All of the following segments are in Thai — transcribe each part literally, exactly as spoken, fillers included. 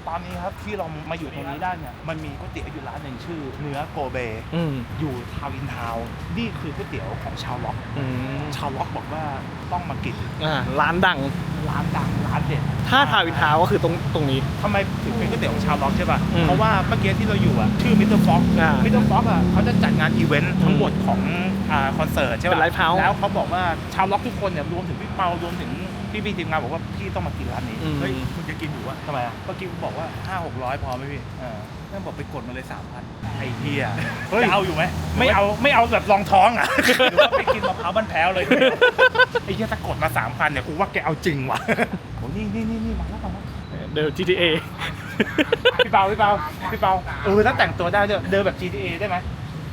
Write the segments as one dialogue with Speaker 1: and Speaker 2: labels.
Speaker 1: ตอนนี้ครับที่เรามาอยู่ตรงนี้ได้เนี่ยมันมีก๋วยเตี๋ยวอยู่ร้านหนึ่งชื่อเนื้อโกเบ
Speaker 2: อืม
Speaker 1: อยู่ทาวน์อินทาวน์นี่คือก๋วยเตี๋ยวของชาวล็อก
Speaker 2: อืม
Speaker 1: ชาวล็อกบอกว่าต้องมากิน
Speaker 2: อ่าร้านดัง
Speaker 1: ร้านดังร้านเด็ด
Speaker 2: ถ้าทาวน์อินทาวน์ก็คือตรงตรงนี้
Speaker 1: ทำไมถึงเป็นก๋วยเตี๋ยวของชาวล็อกใช่ป่ะ
Speaker 2: อืม
Speaker 1: เพราะว่าเมื่อกี้ที่เราอยู่อ่ะชื่อมิสเตอร์ฟ็อก
Speaker 2: อ่า
Speaker 1: มิสเตอร์ฟ็อกอ่ะเขาจะจัดงานอีเวนต์ทั้งหมดของอ่าคอนเสิร์ตใช่
Speaker 2: เป็น
Speaker 1: ป่ะ
Speaker 2: ไลฟ์เฮาส์
Speaker 1: แล้วเขาบอกว่าชาวล็อกทุกคนเนี่ยรวมถึงพี่เปารวมถึงพี่พี่ทีมงานบอกว่าพี่ต้องมากินร้านนี้
Speaker 2: อืม
Speaker 3: เฮ้ยคุณจะกินหมูอะ
Speaker 1: ทำไมอ่ะ
Speaker 3: เมื่อกี้กูบอกว่าห้าหกร้อยพอไหมพี่
Speaker 1: เออ
Speaker 3: แม่งบอกไปกดมาเลยสามพัน
Speaker 1: ไอ้เหี้ย
Speaker 3: จะเอาอยู่ไหม
Speaker 1: ไม่เอาไม่เอาแบบรองท้องอ่ะ
Speaker 3: หรือว่าไปกินมะพร้าวบ้านแพ้วเลย
Speaker 1: ไอ้เหี้ยถ้ากดมาสามพันเนี่ยกูว่าแกเอาจริงว่ะโอ้นี่นี่นี่นี่มาแล้วมาแล้ว
Speaker 2: เดิน จี ที เอ
Speaker 1: พี่เปาพี่เปาพี่เปาเออถ้าแต่งตัวได้ด้วยเดินแบบ จี ที เอ ได้ไหม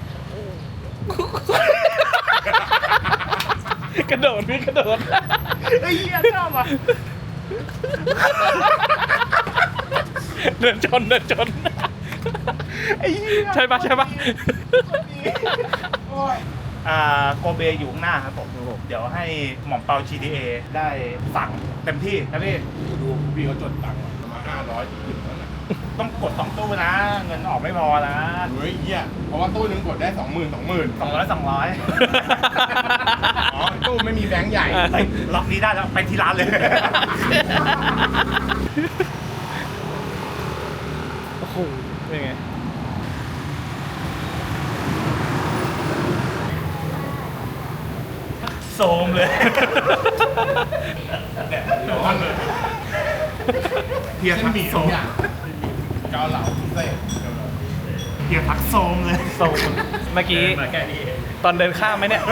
Speaker 2: กระโดดพี่กระโดด
Speaker 1: ไอ้เหี้ยชอบอ่ะ
Speaker 2: เดินชนเดินชน
Speaker 1: ไอ้เหี้ย
Speaker 2: ใช่ปะใช่ปะ
Speaker 1: อ่าโกเบอยู่ข้างหน้าครับผมเดี๋ยวให้หม่อมเปา จี ที เอ ได้สั่งเต็มที่นะพี่
Speaker 3: ดูพี่เขาจดตังค์ประมาณห้าร้อยถึงแล้วนะ
Speaker 1: ต้องกดสองตู้นะ เงินออกไม่พอนะ
Speaker 3: เฮ้ยเหี้ยเพราะว่าตู้นึงกดได้สองหมื่นสองหมื่น
Speaker 1: สองร้อยสองร้อย
Speaker 3: อ๋อตู้ไม่มีแบงค์ใหญ่
Speaker 1: เฮ้ยล็อกนี้ได้แล้วไปที่ร้านเลย
Speaker 2: โอ้โหเป็นไง
Speaker 1: โซมเลย
Speaker 3: ร้อนเลย
Speaker 1: เฮียทักโซม
Speaker 3: เกาเหลาพิเศษ
Speaker 1: เฮียทักโซมเลย
Speaker 2: โซนเมื่อกี้
Speaker 3: มาแค่นี้เอง
Speaker 2: ตอนเดินข้ามไหมเนี่ย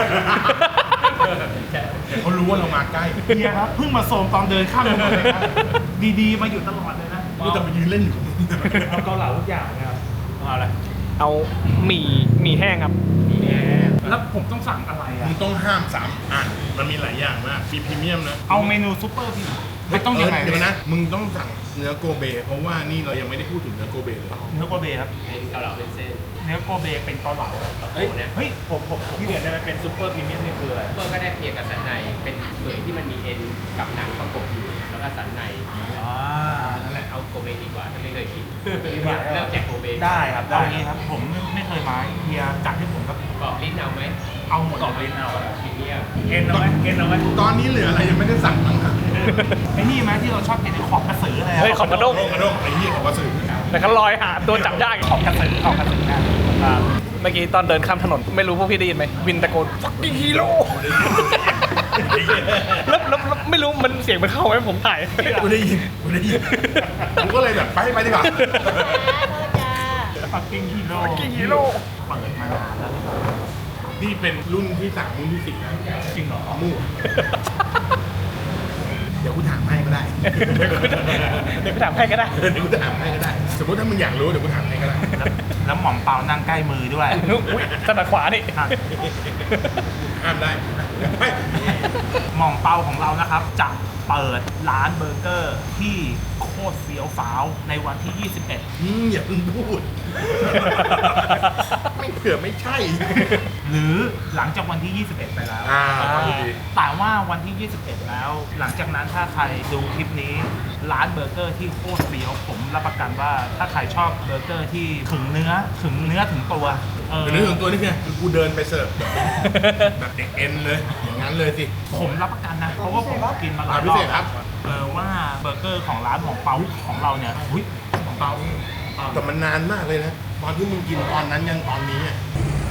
Speaker 3: เขารู้ว่าเรามาใกล้
Speaker 1: เฮียครับเพิ่งมาโซมตอนเดินข้ามถนนเลยนะดีๆมาอยู่ตลอดเลยนะ
Speaker 3: กูจะไปยืนเล่นอยู่
Speaker 1: เอาเกาเหลาทุกอย่างนะครับเอาอะไร
Speaker 2: เอาหมี่หมี่แห้งครับ
Speaker 1: แล้วผมต้องสั่งอะไรอ่ะ
Speaker 3: มึงต้องห้ามสามอ่ะมันมีหลายอย่างมากมีพรีเมียมนะ
Speaker 1: เอาเมนูซุปเปอร์พี่ไม่ต้องยังไง
Speaker 3: เดี๋ยวนะ มึงต้องสั่งเนื้อโกเบ เพราะว่านี่เรายังไม่ได้พูดถึงเนื้อโกเบเลย
Speaker 1: เนื้อโกเบครับ
Speaker 4: เป็นเกาเหลาเป็นเส้น
Speaker 1: เนื้อโกเบเป็นเกาเหลา
Speaker 4: เฮ้ยเนี่ย
Speaker 1: เฮ้ยผมผมผมเปลี่ยนได้ไหมเป็นซุปเปอร์พรีเมียมนี่คืออะไร
Speaker 4: เพิ่มก็ได้เพียงกับสันใน เป็นเปลือยที่มันมีเอ็นกับหนังประกบอยู่ แล้วก็สันใน
Speaker 1: อ่า
Speaker 4: นั่นแหละเอาโกเบดีกว่าถ้าไม่เคยกิน
Speaker 1: ดีกว่า
Speaker 4: เริ่มจากโกเบ
Speaker 1: ได้ครับได้นี้ครับผมไม่เคยมาเฮียจัดให้ผมครับ
Speaker 4: กรอบลิ้นเอาไหม
Speaker 1: เอาหมด
Speaker 4: กรอบลิ้นเอาพรีเมียม
Speaker 1: เอ็นเอาไหมเอ็นเอาไหม
Speaker 3: ตอนนี้เหลืออะไรยังไม่ได้สั่งบ้างครับ
Speaker 1: ไอ้นี่ไหมที่เราชอบกินขอบกระสืออะไร
Speaker 2: เฮ้ยขอบกระด้ง
Speaker 3: โรคกระโดกไอ้เหี้ยของวัสดุ
Speaker 2: แต่เขาลอยหาตัวจับยากอีก
Speaker 1: ขอบกระสือขอบกระสือนะอ่า
Speaker 2: เมื่อกี้ตอนเดินข้ามถนนไม่รู้พวกพี่ได้ยินไหมวินตะโกน fucking hero แล้วแล้วแล้วไม่รู้มันเสียงมันเข้าไหมผมถ่าย
Speaker 3: กูได้ยินกูได้ยินกูก็เลยแบบไปไปดีกว่า
Speaker 1: ปักกิ่งฮีโร่
Speaker 2: fucking hero
Speaker 1: เปิดมานานแล้ว
Speaker 3: นี่เป็นรุ่นที่สามรุ่นที่สี่แล้ว
Speaker 1: จริงเหรอ
Speaker 3: มู่เดี๋ยวกูถามให้ก็ได้
Speaker 2: เดี๋ยวไปถามใครก็ได้
Speaker 3: เดี๋ยวกูถามให้ก็ได้ สมมติถ้ามึงอยากรู้เดี๋ยวกูถามให้ก็ได้
Speaker 1: แล้วแล้วหม่อมเปานั่งใกล้มือด้วย
Speaker 2: อุ๊ยถนัดขวานี่
Speaker 1: ครับ
Speaker 3: ห้ามได้
Speaker 1: หม่อมเปาของเรานะครับจะเปิดร้านเบอร์เกอร์ที่โคตรเฟี้ยวฟ้าวในวันที่ ยี่สิบเอ็ด
Speaker 3: อืมอย่าเพิ่งพูด ไม่เผื่อไม่ใช่
Speaker 1: หรือหลังจากวันที่ ยี่สิบเอ็ด ไปแล้ว
Speaker 3: อ่าฟังดี
Speaker 1: แต่ว่าวันที่ ยี่สิบเอ็ด แล้ว หลังจากนั้นถ้าใครดูคลิปนี้ร้านเบอร์เกอร์ที่โคตรเฟี้ยวผมรับประกันว่าถ้าใครชอบเบอร์เกอร์ที่ถึงเนื้อถึงเนื้อถึงตัวเออ
Speaker 3: เดี๋ยวนึกถึงตัวนี่ไงคือกูเดินไปเสิร์ฟแบบเด็กเอ็นเลย อย่างนั้นเลยสิ
Speaker 1: ผมรับประกันนะ เพราะว่าผมกินมาหลาย
Speaker 3: อ่าร พิ
Speaker 1: อ
Speaker 3: เศ
Speaker 1: บ
Speaker 3: ษครับ
Speaker 1: เออว่าเบอร์เกอร์ของร้านของเปาของเราเนี่ยหุ้ยของเปาอ่า
Speaker 3: แต่มันนานมากเลยนะ ตอนที่มึงกินตอนนั้นยังตอนนี้อะ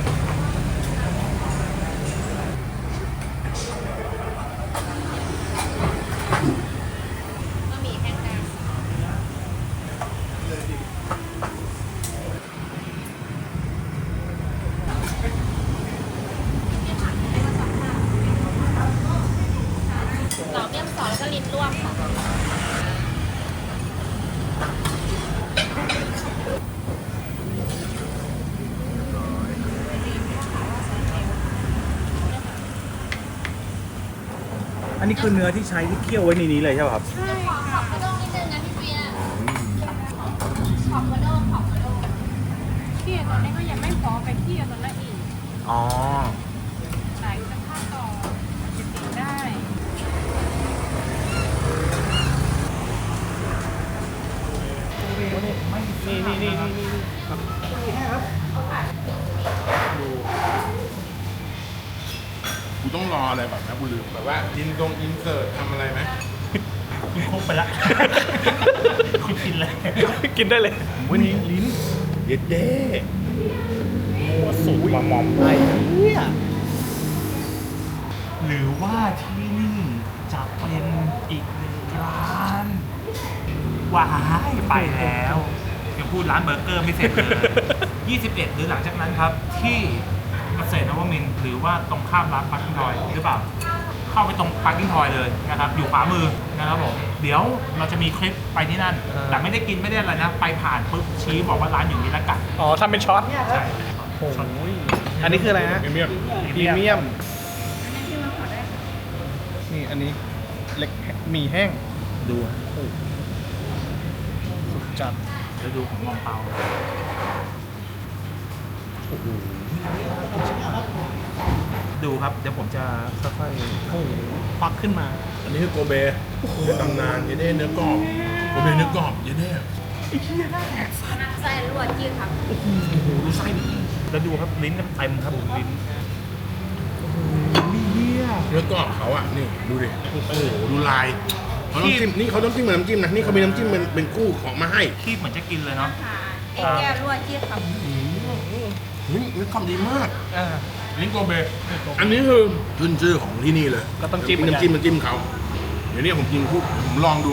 Speaker 5: บะหมี่แห้งดำต่อเมี่ยมซอสแล้วก็ลิ้นลวกค่ะ
Speaker 1: อันนี้คือเนื้อที่ใช้ที่เคี่ยวไว้ในนี้เลยใช่ป่ะครับ
Speaker 5: ใช่ขอขอบกระด้งนิดนึงนะพี่เปียขอบกระด้งขอบกระด้ง
Speaker 6: เที่ยวตอนนี้ก็ยังไม่พอไปเที่ยวตอนนั้นอีก
Speaker 1: อ๋อ
Speaker 6: หลายสภาพต่อจะติดได้
Speaker 1: โอเค
Speaker 2: นี่
Speaker 1: ไม่
Speaker 2: นี่นี่นี่นี่นี่ครับ
Speaker 3: กูต้องรออะไรแบบนะกูลืมแบบว่าอินตรงอินเสิร์ตทำอะไรไหม
Speaker 1: คุณครบไปละ คุณกินเลย
Speaker 2: กินได้เลย
Speaker 3: วันนี้ลิ้นเย็ดเด้
Speaker 1: มัวสูตรมามอม
Speaker 2: ไอ้เนี่ย
Speaker 1: หรือว่าที่นี่จะเป็นอีกหนึ่งร้านว้ายไปแล้วยังพูดร้านเบอร์เกอร์ไม่เสร็จเลย ยี่สิบเอ็ดหรือหลังจากนั้นครับ ที่เกษตรนวมินทร์หรือว่าตรงข้ามร้านปาร์กิ้งทอยหรือเปล่า เข้าไปตรงปาร์กิ้งทอยเลยนะครับ อยู่ขวามือนะครับผม เดี๋ยวเราจะมีคลิปไปที่นั่น แต่ไม่ได้กินไม่ได้อะไรนะ ไปผ่านปุ๊บชี้บอกว่าร้านอยู่นี้แล้วกัด
Speaker 2: อ๋อทำเป็นช็อต
Speaker 1: ใช่
Speaker 2: โอ้ยอันนี้คืออะไรนะ
Speaker 3: เมียม
Speaker 2: พรีเมียม นี่อันนี้เล็กหมี่แห้ง
Speaker 1: ดู
Speaker 2: โอ้สุดจัด
Speaker 1: แล้วดูของมองเปา ดูครับ เดี๋ยวผมจะค่อย
Speaker 2: โอ้โหควักขึ้นมา
Speaker 3: อันนี้คือโกเบในตำนานเยเด้เนื้อกรอบโกเบเนื้อกรอบเยเด้
Speaker 5: ใส่ลวดจีครับ
Speaker 1: ๆโอ้โหดูไส้ดิแล้วดูครับลิ้นเต็มครับลิ้นโอ้โหเฮีย
Speaker 3: เนื้อกรอบเขาอ่ะนี่ดูดิโอ้โหดูลายเขาต้องจิ้มนี่เขาต้องจิ้มเหมือนน้ำจิ้มนะนี่เขามีน้ำจิ้มเป็นเป็นคู่ของมาให้
Speaker 1: คีบเหมือนจะกินเลยเนาะ
Speaker 5: เอ็นแก้วลวดจีครับ
Speaker 3: นี่เนื้อกรอบดีมาก
Speaker 2: อ่า
Speaker 3: ลิ้นโกเบอันนี้คือขึ้นชื่อของที่นี่เลย
Speaker 2: แล้วต้องจิ้มเหมือนกัน
Speaker 3: น้ำจิ้มน้ำจิ้มเขาเดี๋ยวนี้ผมกินคู่ผมลองดู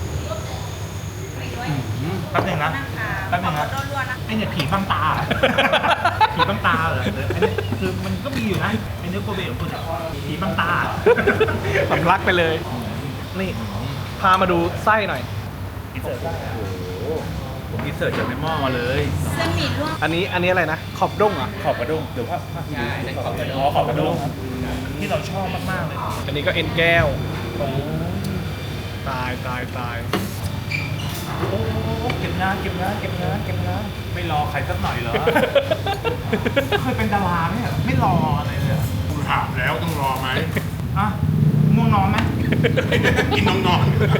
Speaker 1: แป๊บหนึงนะแป๊บหนึงนะ
Speaker 5: ลวดนะ
Speaker 1: ไอเนี่ยผีบังตา ผีบังตาเหรอไอเนี่ยคือมันก็มีอยู่นะไอเนื้อโกเบของคุณอะผีบังตา
Speaker 2: สำลักไปเลย นี่ พามาดูไส้หน่อย
Speaker 1: อินเสิร์ตผมอินเสิร์ตจากในหม้อมาเลย
Speaker 5: เส้นหมี่ลวก
Speaker 2: อันนี้อันนี้อะไรนะ ขอบด้งเหรอ่ะ
Speaker 1: ขอบกระด้งเดี๋ยวภาพภาพ
Speaker 4: ใช่นั่นขอบกระด้ง
Speaker 1: อ๋อขอบกระด้งครับที่เราชอบมากๆเลย
Speaker 2: อันนี้ก็เอ็นแก้วโอ้ตายตายตาย
Speaker 1: โอ้เก็บงานเก็บงานเก็บงานเก็บงานไม่รอใครสักหน่อยเหรอ เคยเป็นดาราไหมอะไม่รออะไรเลยอะ
Speaker 3: คุณถามแล้วต้องรอไหม
Speaker 1: อ่ะง่วงนอนไหม
Speaker 3: กินน้องนอน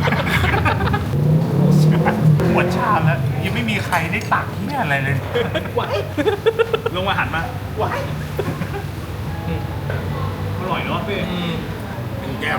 Speaker 1: หมดชามแล้วยังไม่มีใครได้ตักเนี่ยอะไรเลยว้ายลงมาหันมาว้ายอร่อยเนาะพี่
Speaker 3: เป็นแก้ว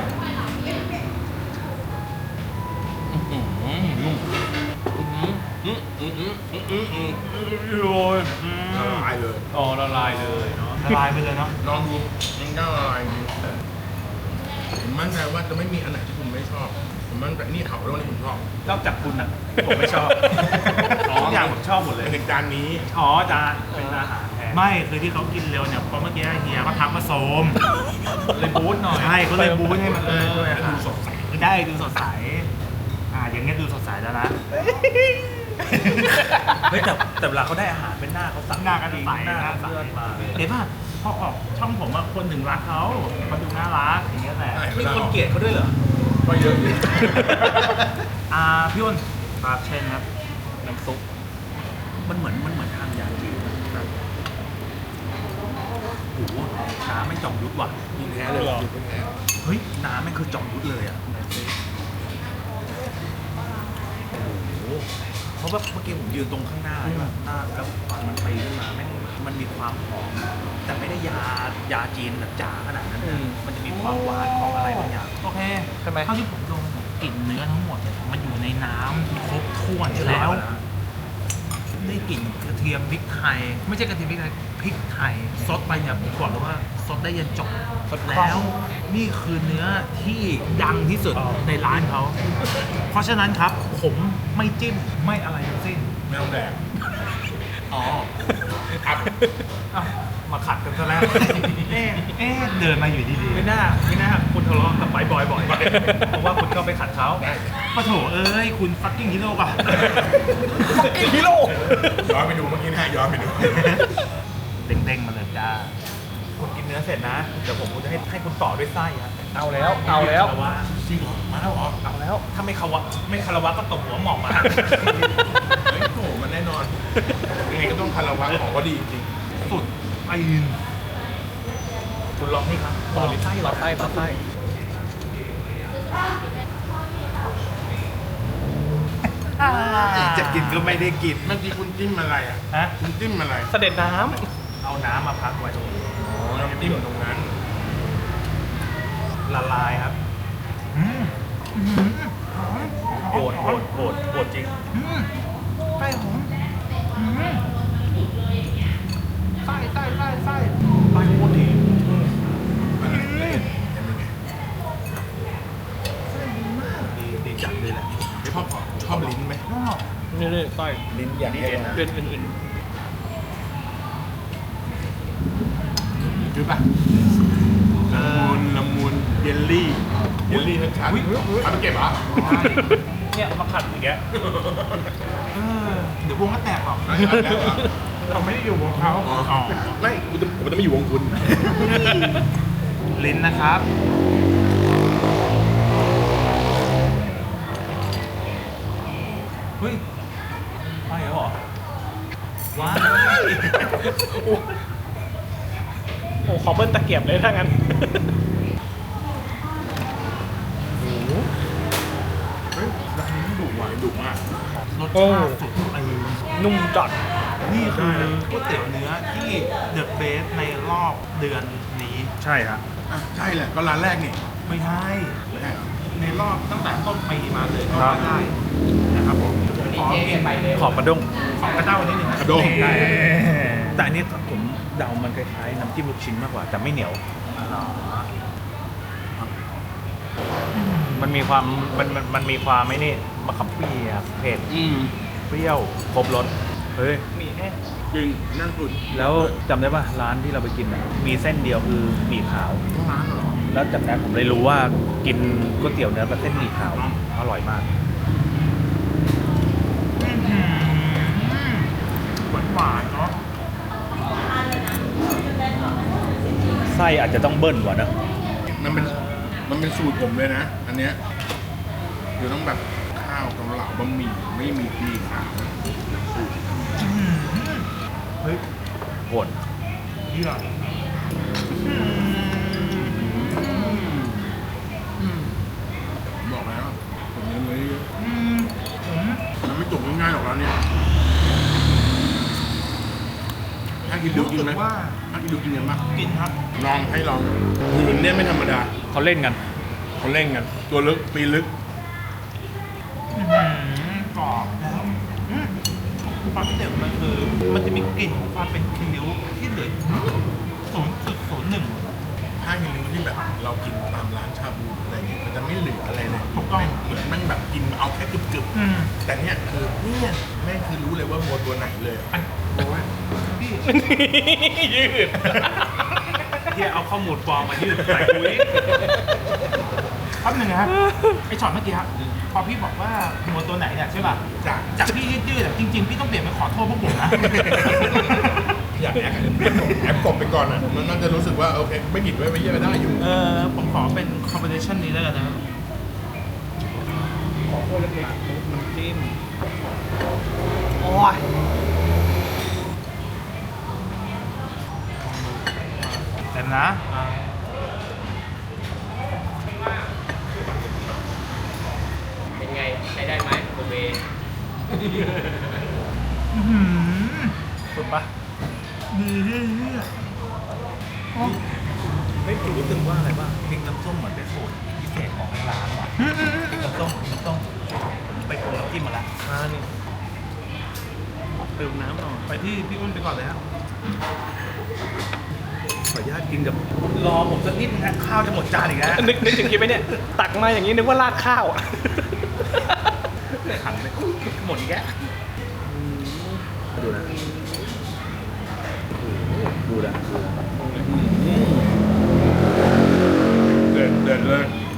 Speaker 1: โอ้ย
Speaker 3: ละลายเลย
Speaker 1: อ๋อละลายเลยเนาะละลายไปเลยเนาะ
Speaker 3: ลองดูยังแก้วละลายจริงผมมั่นใจว่าจะไม่มีอันไหนที่ผมไม่ชอบ ผมมั่นใจนี่เขาเรื่องนี้ผมชอบ
Speaker 1: นอกจากคุณอ่ะผมไม่ชอบทุกอย่างผมชอบหมดเลย
Speaker 3: ในจานนี้
Speaker 1: อ๋อจานเป็นอาหารแทนไม่คือที่เขากินเร็วเนี่ยเพราะเมื่อกี้เฮียเขาทักมาโซมเลยบูทหน่อยใช่เขาเลยบูทให้มันเออ
Speaker 3: ดูสดใส
Speaker 1: ได้ดูสดใสอ่าอย่างเงี้ยดูสดใสแล้วนะ
Speaker 7: เฮ้ยแต่แต่เวลาเขาได้อาหารเป็นหน้าเขาสั่ง
Speaker 1: หน้ากันใส
Speaker 7: หน้า
Speaker 1: หน้า
Speaker 7: เขา
Speaker 1: ใส
Speaker 7: เลือดมาเลย
Speaker 1: เห็นป่ะพอออกช่องผมอะคนถึงรักเขาเขาดูน่ารักอย่างเงี้ยแหละ
Speaker 7: มีคนเกลียดเขาด้วยเหรอ
Speaker 3: ก็เยอะอยู่
Speaker 1: อ่าพี่อ้นปากเชนครับน้ำซุป
Speaker 7: มันเหมือนมันเหมือนทางยาจีนนะโอ้โหน้ำไม่จอมยุทธว่ะ
Speaker 3: กินแท้เลยกินแท้
Speaker 7: เฮ้ยน้ำไม่คือจอมยุทธเลยอ่ะโอ้โหเพราะว่าเมื่อกี้ผมยืนตรงข้างหน้าใช่ป่ะหน้าแล้วควันมันตีขึ้นมาแม่งมันมีความหอมแต่ไม่ได้ยายาจีนแบบจ๋าขนาดนั้นนะมันจะมีความหวานของอะไรบางอย่าง
Speaker 1: โอเค
Speaker 2: ใช่ไหม
Speaker 1: เท่าที่ผมดมเนี่ยกลิ่นเนื้อทั้งหมดเนี่ยมันอยู่ในน้ำครบถ้วนแล้ว ได้กลิ่นกระเทียมพริกไทย ไม่ใช่กระเทียมพริกไทยพริกไทยซดไปเนี่ยผมบอกเลยว่าซดได้ยันจบ
Speaker 2: ซดคล่อง
Speaker 1: แล้วนี่คือเนื้อที่ดังที่สุดในร้านเขา เพราะฉะนั้นครับผมไม่จิ้มไม่อะไรทั้งสิ้น
Speaker 3: ไม่ต้องแดก
Speaker 1: อ๋อ
Speaker 3: ครับ
Speaker 1: อ้าวมาขัดกันซะแล้ว เอ๊ะเอ๊ะเดินมาอยู่ดีๆ
Speaker 7: ไม่น่าไม่น่าคุณทะเลาะกับไบบ่อยบ่อยเพราะว่าคุณเข้าไปขัดเขา
Speaker 1: ปะโถเอ้ยคุณฟักกิ้งฮีโร่ป่ะ
Speaker 2: ฮีโร่
Speaker 3: ย้อนไปดูเมื่อกี้นะย้อนไปดู
Speaker 1: เด้งๆมาเลยจ้า
Speaker 7: คุณกินเนื้อเสร็จนะ เดี๋ยวผมจะให้ให้คุณต่อด้วยไส้ฮะ
Speaker 2: เอาแล้วเอาแล้ว
Speaker 7: คารวะ
Speaker 3: จริงเหรอมาแล้วเหรอ
Speaker 2: เอาแล้ว
Speaker 7: ถ้าไม่คารวะไม่คารวะก็ตบหัวหมอกมา
Speaker 3: เฮ้ยโอ้โหมันแน่นอนยังไงก็ต้องคารวะของก็ดีจริง
Speaker 1: สุดไอ้
Speaker 7: คุณลองนี่ครับ
Speaker 2: ต่
Speaker 7: ต่
Speaker 2: อ
Speaker 7: อด้วยไส้
Speaker 2: ต่อไส้ต่อไส้
Speaker 7: จะกินก็ไม่ได้กิน
Speaker 3: เมื่อกี้คุณจิ้มอะไรอ่ะ
Speaker 2: ฮะ
Speaker 3: คุณจิ้มอะไร
Speaker 2: เสด็จน้
Speaker 7: เอาน้ำมาพักไว้ตรงนี้
Speaker 3: อ๋อน้ำจิ้มตรงนั้น
Speaker 7: ละลายครับโหดโหดโหดโหดจริง
Speaker 1: ไส้หอมไส้ไส้ไส้ไส้
Speaker 7: ไปโคตรดี
Speaker 3: อะไรละเอียดยังไง
Speaker 7: ดีดีจัดเลยแหละ
Speaker 3: ไม่ชอบชอบลิ้นไหม
Speaker 2: ำนี่นี่ต้อย
Speaker 3: ลิ้นอย่างนี้เองนะ
Speaker 2: เดือนอื่น
Speaker 3: คือป่ะละมุนละมุนเยลลี่เยลลี่ชัดๆเอาไปเก็บเหรอ
Speaker 2: ๆเนี่ยมาขัดอย่างเงี้ย
Speaker 1: เออเดี๋ยววงก็แตกหรอก
Speaker 3: เอาแล้วเหรอ
Speaker 1: เราไม่ได้อยู่วงเขา
Speaker 3: อ๋อไม่กูจะผมจะไม่อยู่วงคุณ
Speaker 1: ลิ้นนะครับ
Speaker 7: เฮ้ยไปแล้วเหรอว้าย
Speaker 2: โอ้ขอเบิ้ลตะเกียบเลยถ้างั้น
Speaker 3: เฮ้ยร้านนี้ดุว่ะดุมาก
Speaker 1: รส
Speaker 2: โอ้
Speaker 1: ชาติสุดไอ้
Speaker 2: นุ่มจัด
Speaker 1: นี่คือก๋วยเตี๋ยวเนื้อที่เดอะเบสในรอบเดือนนี้
Speaker 7: ใช่ฮะ
Speaker 3: อ่ะใช่แหละก็ร้านแรกนี่
Speaker 1: ไม่ใช่
Speaker 3: ไม่ใช่เหรอ
Speaker 1: ในรอบตั้งแต่ต้นปีมาเลยก็ว่าได้นะครับผม
Speaker 4: วันนี้
Speaker 1: ขอ
Speaker 4: เจ๊
Speaker 1: กิน
Speaker 4: ไปเลย
Speaker 7: ขอบกระด้ง
Speaker 1: ของกระเจ้านิดนึงนะ
Speaker 3: กระด้ง
Speaker 7: ได้แต่อันนี้ผมเดามันคล้ายๆน้ำจิ้มลูกชิ้นมากกว่า แต่ไม่เหนียว มันมีความมันมันมันมีความไม่นี่มะขามเปียกเผ็ด
Speaker 3: อืม
Speaker 7: เปรี้ยวครบรสเฮ้ย
Speaker 2: มีแห้ง
Speaker 3: จริงนั่นสุด
Speaker 7: แล้วจำได้ป่ะร้านที่เราไปกินน่ะมีเส้นเดียวคือหมี่ขาว
Speaker 3: ทั้งร้านเหรอ
Speaker 7: แล้วจากนั้นผมเลยรู้ว่ากินก๋วยเตี๋ยวเนื้อกับเส้นหมี่ขาวอร่อยมาก
Speaker 1: หวานหวานๆเนาะ
Speaker 7: ไส้อาจจะต้องเบิ้ลกว่านะ
Speaker 3: มันเป็นมันเป็นสูตรผมเลยนะ อันเนี้ยคือต้องแบบข้าวเกาเหลาบะหมี่ไม่มีหมี่ขาว
Speaker 1: เฮ้ย
Speaker 7: โหด
Speaker 1: เยี่ยม
Speaker 3: บอกแล้วผมยังไม่เยอะ
Speaker 1: อืมอืม
Speaker 3: มันไม่จบง่ายๆหรอกแล้วเนี่ยถ้ากินดู
Speaker 1: รู้
Speaker 3: กิน
Speaker 1: สึก
Speaker 3: ไหม
Speaker 1: ว่า
Speaker 3: ถ้ากินดูกินกันปะ
Speaker 1: กินครับ
Speaker 3: ลองให้ลองหืนเนี่ยไม่ธรรมดา
Speaker 7: เขาเล่นกัน
Speaker 3: เขาเล่นกัน ตัวลึกปีลึก
Speaker 1: อื้อหือกรอบแล้วอืมความพิเศษของมันคือมันจะมีกลิ่นของความเป็นคิ้วที่เหลือศูนย์จุดศูนย์หนึ่ง
Speaker 3: ถ้าเห็นนึงที่แบบเรากินตามร้านชาบูอะไรเงี้ยมันจะไม่เหลืออะไรเลย
Speaker 1: ถูกต้อง
Speaker 3: เหมือนมันแบบกินเอาแค่กึบ
Speaker 1: อืม
Speaker 3: ๆแต่เนี่ยคือเนี่ยแม่งคือรู้เลยว่าวัวตัวไหนเลย
Speaker 1: อันโอ้ยพี่
Speaker 2: ยืด
Speaker 1: เฮียเอาข้อมูลปลอมมายืดใส่คุยแป๊บหนึงนะไอช็อตเมื่อกี้ครับพอพี่บอกว่าหัวตัวไหนเนี่ยใช่ป่ะ
Speaker 3: จาก
Speaker 1: จากพี่ยืดๆอะจริงๆ พี่ต้องเปลี่ยนเป็นขอโทษพวกผมนะ
Speaker 3: อยากแอคแอปกบไปก่อนอ่ะมันน่าจะรู้สึกว่าโอเคไม่ผิดไว้ไม่เยอะได้อยู่
Speaker 1: เออผมขอเป็นคอมบิเนชันนี้แล้วกันนะ
Speaker 2: ขอโคตรเล็กๆน้ำจิ้ม
Speaker 1: โอ้ยเต็มนะ
Speaker 4: เป็นไง ใช้ได้ไหมโอเบ
Speaker 1: อื้อหือ
Speaker 2: สุดปะ
Speaker 1: ดีเรื่อย
Speaker 7: ไม่รู้สึกว่าอะไรบ้างพริกน้ำส้มเหมือนเป็นสูตรพิเศษของทางร้านว่ะ
Speaker 1: ๆอื้อหือ
Speaker 7: พริกน้ำส้มพริกน้ำส้มไปปรุงน้ำจิ้มมาแล้ว
Speaker 2: อ่านี่เติมน้ำหน่อย
Speaker 1: ไปที่พี่อ้นไปก่อนเลยครับ
Speaker 7: ขออนุญาตกินกับรอผมสักนิดนะ ข้าวจะหมดจานอีกแล้ว
Speaker 2: นึกนึกถึงคลิปไหมเนี่ย ตักมาอย่างนี้นึกว่าราดข้าวอ่ะ
Speaker 7: ขันเลยหมดอีกแล้วดูนะดูนะดูนะ
Speaker 3: เดินเดินเลย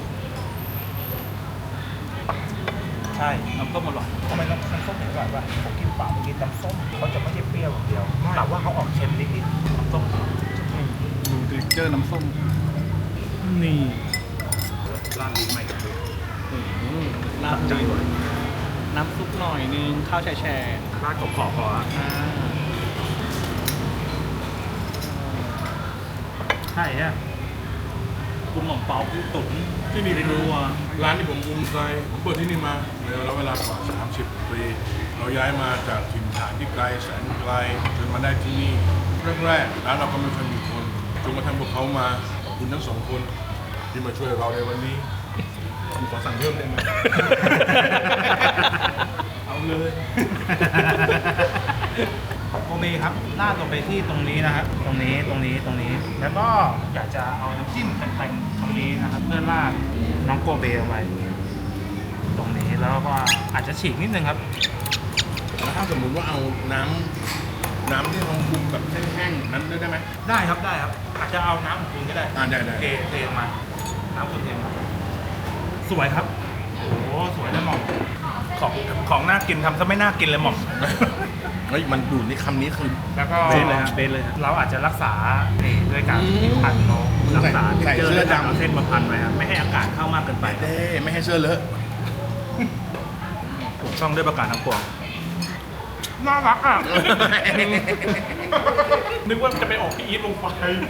Speaker 7: ใช่น้ำส้มอร่อยทำไมน้ำน้ำส้มถึงอร่อยป่ะผมกินเปล่าผมกินน้ำส้มเขาจะไม่ใช่เปรี้ยวอย่างเดียวแต่ว่าเขาออกเค็มนิดๆน้ำส้ม
Speaker 2: ดูเท็กเจอร์น้ำส้ม นี่
Speaker 7: ร้านลิ้นใหม่กัน
Speaker 2: น้ำ
Speaker 7: ใจหน่อย
Speaker 2: น้ำซุปหน่อยนึง ข้าวแช่แช่
Speaker 7: ร้านขอบขอบพอละ
Speaker 2: อ่า
Speaker 1: ใช่ฮะ
Speaker 7: กุ้งหม่อมเปากุ้งตุ๋น
Speaker 3: ที่นี่คือร้านที่ผมภูมิใจผมเปิดที่นี่มาในระยะเวลากว่าสามสิบปีเราย้ายมาจากถิ่นฐานที่ไกลแสนไกลจนมาได้ที่นี่แรกๆร้านเราก็ไม่เคยมีคนจนกระทั่งพวกเขามาขอบคุณทั้งสองคนที่มาช่วยเราในวันนี้ผมขอสั่งเพิ่มได้ไหม เอาเลย
Speaker 2: โอเคครับลาดลงไปที่ตรงนี้นะครับตรงนี้ตรงนี้ตรงนี้ แล้วก็อยากจะเอาน้ำจิ้มแต่งๆตรงนี้นะครับเพื่อราดน้องโกเบเอาไว้ตรงนี้แล้วก็อาจจะฉีกนิดนึงครับ
Speaker 3: แล้วถ้าสมมุติว่าเอาน้ำน้ำที่เราปรุงแบบแห้งๆนั้นได้ไหม
Speaker 2: ได้ครับได้ครับ อาจจะเอาน้ำของคุณก็ได้
Speaker 3: อ่าได้ได้
Speaker 2: เทเทมาน้ำคุณเทมาสวยครับโอ้โหสวยเลยหม่อมของของน่ากินทำซะไม่น่ากินเลยหม่อม
Speaker 3: เฮ้ยมันดูดในคำนี้คือ
Speaker 2: แล้วก็
Speaker 3: เบนเลยฮะเบนเลยฮะ
Speaker 2: เราอาจจะรักษานี่ด้วยการพันนกรักษา
Speaker 3: ใส่
Speaker 2: เจอ
Speaker 3: เสื้อ
Speaker 2: แล้ว
Speaker 3: ดำ
Speaker 2: เอาเส้นมาพันไว้ครับไม่ให้อากาศเข้ามากเกินไป
Speaker 3: เด้ไม่ให้เสื้อเลอะ
Speaker 2: ถูกต้องด้วยประการทั้งปวงน่ารักอ่ะ นึกว่าจะไปออกพี่อีทลงไป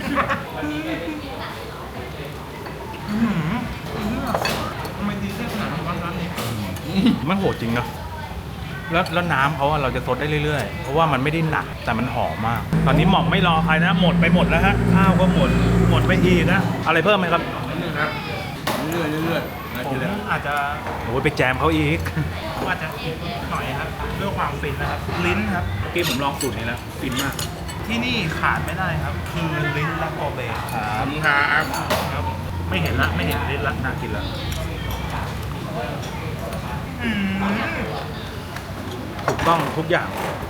Speaker 2: ทำไมดีแค่ขนาดนั้นวะร้านนี้มันโหดจริงนะแล้วแล้วน้ำเขาอะเราจะซดได้เรื่อยๆ เพราะว่ามันไม่ได้หนักแต่มันหอมมาก ตอนนี้หม่อมไม่รอใครนะ หมดไปหมดแล้วฮะ ข้าวก็หมด หมดไปอีกนะ อะไรเพิ่มไหมครับ
Speaker 3: นี่ครับเรื่อยๆเรื่อยๆนะ
Speaker 2: ผม
Speaker 3: ทีละ
Speaker 2: อาจจะโอ้ยไปแจมเขาอีกผมอาจจะอีกหน่อยครับเรื่องความฟินนะครับ ลิ้นครับ เมื่อกี้ผมลองสูตรนี้แล้ว ฟินมาก ที่นี่ขาดไม่ได้ครับ คือลิ้นและโกเบ
Speaker 3: ขอบคุณครับ
Speaker 2: ครับผมไม่เห็นละไม่เห็นลิ้นละน่ากินละอืมถูกต้องทุกอย่าง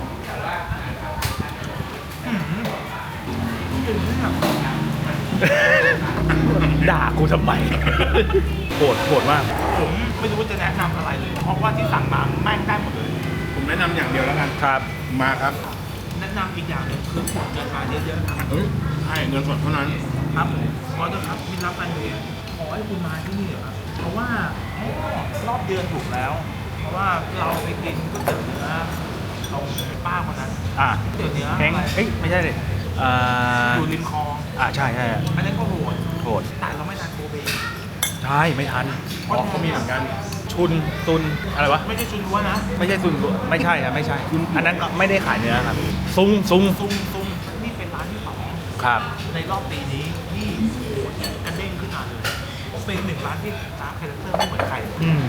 Speaker 2: ด่ากูทำไม โหดโหดมาก ผมไม่รู้ว่าจะแนะนำอะไรเลย เพราะว่าที่สั่งมาแม่งได้หมดเลย
Speaker 3: ผมแนะนำอย่างเดียวแล้วกัน
Speaker 2: ครับ
Speaker 3: มาครับ
Speaker 2: แนะนำอีกอย่างหนึงคือขวดเงินมาเยอะๆครับ
Speaker 3: เฮ้ยใช่เงินสดเท่านั้น
Speaker 2: ครับผมขอเถอะครับมิตรรักแฟนเพลงขอให้คุณมาที่นี่เหรอครับ เพราะว่าอ๋อรอบเดือนถูกแล้ว เพราะว่าเราไปกินก๋วยเตี๋ยวเนื้อตรงป้าคนนั้น
Speaker 7: อ่า
Speaker 2: ก๋วยเตี๋ยวเนื้อ
Speaker 7: แห้ง
Speaker 2: อะไร
Speaker 7: เอ้ยไม่ใช่เลยอ่า
Speaker 2: อยู่ริมคลอง
Speaker 7: อ่าใช่ใช่
Speaker 2: อันนั้นก็โหด
Speaker 7: โหด
Speaker 2: แต่เราไม่ทานโกเบ
Speaker 7: ใช่ไม่ทัน
Speaker 3: อ๋อเขามีเหมือนกัน
Speaker 7: ชุนตุนอะไรวะ
Speaker 2: ไม่ใช่ชุนวัวนะ
Speaker 7: ไม่ใช่ซุนไม่ใช่ครับไม่ใช่ อันนั้นก็ไม่ได้ขายเนื้อครับ ซุงซุง
Speaker 2: ซุ่มซุ่มนี่เป็นร้านที่สอง
Speaker 7: ครับ
Speaker 2: ในรอบปีนี้ที่โหดกระเด้งขึ้นมาเลยเป็นหนึ่งร้านที่ร้านคาแรคเตอร์ไม่เหมือนใคร
Speaker 7: อืม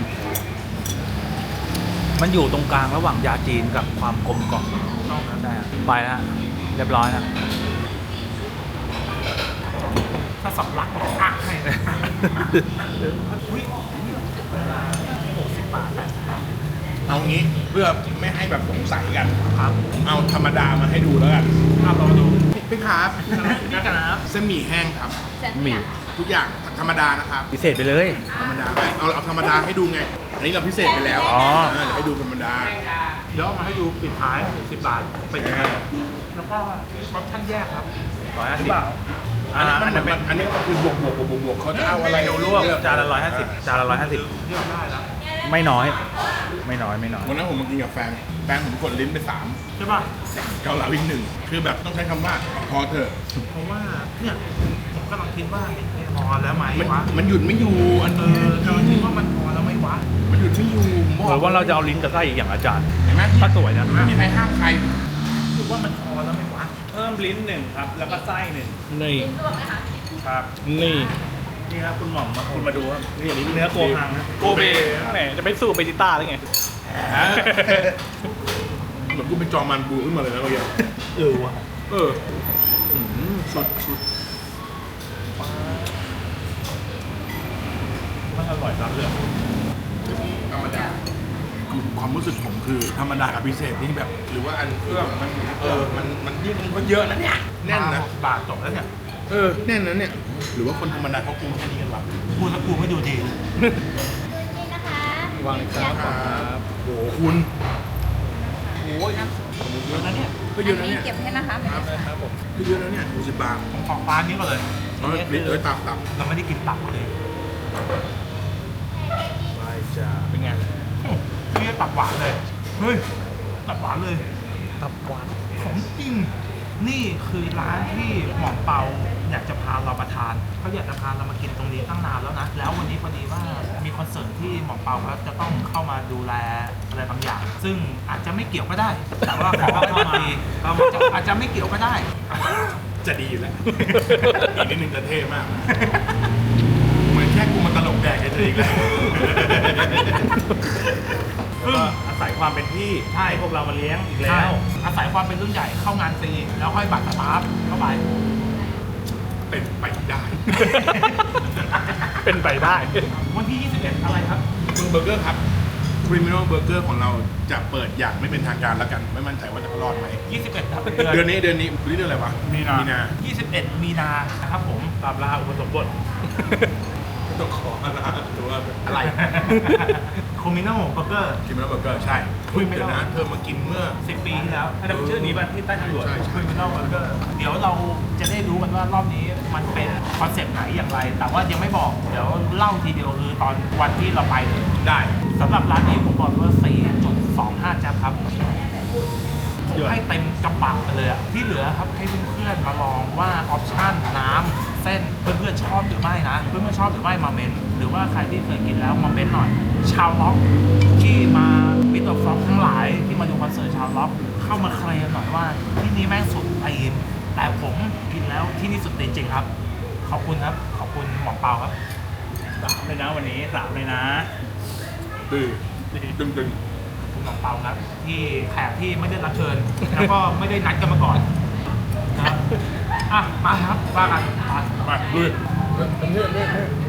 Speaker 7: มันอยู่ตรงกลางระหว่างยาจีนกับความกลมกล่อม
Speaker 2: นอกนั้น
Speaker 7: ได้ฮะไปแล้วฮะเรียบร้อยนะ
Speaker 2: ถ้าสำลักบอกอ่ะให้เลยอุ้ยหกสิบบาทแปดสิบบาท
Speaker 3: เอางี้เพื่อไม่ให้แบบสงสัยกัน
Speaker 2: ครับ
Speaker 3: ผมเอาธรรมดามาให้ดูแล้วกัน
Speaker 2: เอาลองดู
Speaker 3: พี่ครับ
Speaker 2: นี่กันนะครับ
Speaker 3: เส้นหมี่แห้งครับ
Speaker 7: หมี่
Speaker 3: ทุกอย่างธรรมดานะครับ
Speaker 7: พิเศษไปเลย
Speaker 3: ธรรมดาไม่เอาเอาธรรมดาให้ดูไง อันนี้เราพิเศษไปแล้ว
Speaker 7: อ๋อ
Speaker 3: เเดี๋ยวให้ดูธรรมดา
Speaker 2: เดี๋ยวเอามาให้ดูปิดท้ายสิบบาทเป็นยังไงแล้วก็ออปชั่นแยกครับ
Speaker 7: ร้อยห้า
Speaker 2: หรื
Speaker 7: สิ
Speaker 2: อบ เปล่า
Speaker 3: อันนี้มันเหมือนแบบอันนี้ก็คือบวกบวกบวกบวกบวกเขาจะเอาอะไร
Speaker 7: เมนูลวกจานละร้อยห้าสิบจานละร้อยห้าสิบ
Speaker 2: เลือกได้แล้ว
Speaker 7: ไม่น้อย ไม่น้อยไม่น้อย
Speaker 3: วันนั้นผมมากินกับแฟน แฟนผมกดลิ้นไปสาม
Speaker 2: ใช่ป่ะ
Speaker 3: เกาเหลาอีกหนึ่ง คือแบบต้องใช้คำว่าพอเถอะ
Speaker 2: เพราะว่าเนี่ยผมกำลังคิดว่าไม่พอแล้วไหม
Speaker 3: มัน
Speaker 2: วะ
Speaker 3: มันหยุดไม่อยู่ อัน
Speaker 2: เอ
Speaker 3: นี้
Speaker 2: อกำลังคิดว่ามันพอแล้วไหมวะ
Speaker 3: มันหยุดไม่อยู่ผมบ
Speaker 7: ห
Speaker 3: อ
Speaker 7: รื
Speaker 3: ก
Speaker 7: อว่าเราจะเอาลิ้นกับไส้อีกอย่างอาจารย์
Speaker 3: เห็นไหม
Speaker 7: ถ้าสวยนะ
Speaker 3: ไม่มีใครห้ามใคร
Speaker 2: คิดว่ามันพอแล้วไหมวะ
Speaker 7: เพิ่มลิ้นหนึ่งครับ แล้วก็ไส้หนึ่ง
Speaker 5: นี่
Speaker 7: ครับ
Speaker 5: นี่
Speaker 7: นี่ครับคุณหม่อมมาคุณมาดูครับนี่ลิ้นเนื้อโกฮังนะ
Speaker 2: โกเบ
Speaker 7: แหมจะไปสู้เบจิต้าหรือไง
Speaker 3: เหมือนกูเป็นจอมันบูขึ้นมาเลยนะเมื่อกี้
Speaker 7: เออว่ะ
Speaker 3: เอออืมสุดสุด
Speaker 7: มันอร่อยจังเลย
Speaker 3: ธรรมดาคือความรู้สึกผมคือธรรมดากับพิเศษนี่แบบ หรือว่าอันเครื่องมันเออมันมันยิ่งมันเยอะนะเนี่ยแน่นนะ
Speaker 2: บาทจบแล้วเนี่ย
Speaker 3: เออแน่นนะเนี่ย หรือว่าคนธรรมดาเขากินแค่นี้กันวะ
Speaker 2: พูดแล้วกูไม่ดูดี
Speaker 5: นี่นะคะ
Speaker 7: วางเลยครับ
Speaker 3: ครับโอ้โหคุณโอ้ย
Speaker 2: เยอะนะเนี่ย
Speaker 3: ก็เยอะนะเนี่ย
Speaker 5: เก็บให้นะคะ
Speaker 3: ครับครับผมก็เยอะนะเนี่ยหกสิบบาท
Speaker 2: ผมขอฟ้านี้ก่อนเลย
Speaker 3: เอ้ยนิดเอ้ยตับตับ
Speaker 2: เราไม่ได้กินตับเลย
Speaker 7: ไปจ้าเป็นไง
Speaker 2: นี่ตับหวานเลย เฮ้ย ตับหวานเลย
Speaker 7: ตับหวาน
Speaker 2: ของจริง
Speaker 1: นี่คือร้านที่หม่อมเปาอยากจะพาเรามาทานเขาอยากจะพาเรามากินตรงนี้ตั้งนานแล้วนะแล้ววันนี้พอดีว่ามีคอนเสิร์ตที่หม่อมเปาเขาจะต้องเข้ามาดูแลอะไรบางอย่าง ซึ่งอาจจะไม่เกี่ยวก็ได้ แต่ว่าขอเข้ามาดีเราจะอาจจะไม่เกี่ยวก็ได้
Speaker 3: จะดีอยู่แล้ว อีกนิดนึงจะเท่มาก เหมือนแค่กูมาตลกแดกเฉยๆอีกแล้ว
Speaker 2: แล้วก็อาศัยความเป็นพี่
Speaker 1: ใช่
Speaker 2: ให้พวกเรามาเลี้ยงอีกแล้
Speaker 1: ใช่
Speaker 2: ว
Speaker 1: อาศัยความเป็นรุ่นใหญ่เข้างานฟรีแล้วค่อยบัตรสตาฟเข้าไป
Speaker 3: เป็นไปได้
Speaker 2: เป็นไปได้
Speaker 1: วันที่ ยี่สิบเอ็ด อะไรครับ
Speaker 3: เมืองเบอร์เกอร์ครับ Criminal Burger ของเราจะเปิดอย่างไม่เป็นทางการแล้วกัน ไม่มั่นใจว่าจะรอดไหม
Speaker 1: ยี่สิบเอ็ด ครับ
Speaker 3: เดือนนี้เดือนนี้วันนี้เดือนอะไรวะ
Speaker 2: มีนามี
Speaker 3: มีนา
Speaker 1: ยี่สิบเอ็ด มีนานะครับผม
Speaker 2: ตามล่าอุปสมบท
Speaker 3: ต้องขออะไรตัว
Speaker 1: อะไร โคมิโน่เบอร์เกอร์
Speaker 3: Criminal Burger ใช่เพิ่งเดี๋ยวนะเธอมากินเมื่อ
Speaker 1: สิบปีที่แล้ว
Speaker 2: อันนั้นชื่อนี้ป่ะที่ใต้ทางด่วน
Speaker 3: ใช่
Speaker 1: คริมินอลเบอร์เกอร์เดี๋ยวเราจะได้รู้กันว่ารอบนี้มันเป็นคอนเซปต์ไหนอย่างไร แต่ว่ายังไม่บอก เดี๋ยวเล่าทีเดียวคือตอนวันที่เราไปเลย
Speaker 3: ได้
Speaker 1: สำหรับร้านนี้ผมบอกเลยว่า สี่จุดสองห้า จ๊บครับ ผมให้เต็มกระปังไปเลยอะที่เหลือครับให้เพื่อนๆมาลองว่าออปชั่นน้ำเส้นเพื่อนๆชอบหรือไม่นะ เพื่อนๆชอบหรือไม่มาเม้นหรือว่าใครที่เคยกินแล้วมาเม้นหน่อย ชาวล็อกที่มาบิทออฟฟล็อกทั้งหลายที่มาดูคอนเสิร์ตชาวล็อกเข้ามาเคลมหน่อยว่าที่นี่แม่งสุดตีนแต่ผมกินแล้วที่นี่สุดตีนจริงครับ ขอบคุณครับ ขอบคุณหมอเปาครับ
Speaker 2: สามเลยนะวันนี้สามเลยนะ
Speaker 3: ดื้อดึงดึง
Speaker 1: คุณหมอเปาครับที่แขกที่ไม่ได้รับเชิญ แล้วก็ไม่ได้นัดกันมาก่อนนะครับอ่ะมาครับว่ากันมา
Speaker 3: ไปลุยเฮ้ยเฮ้ยเฮ้ย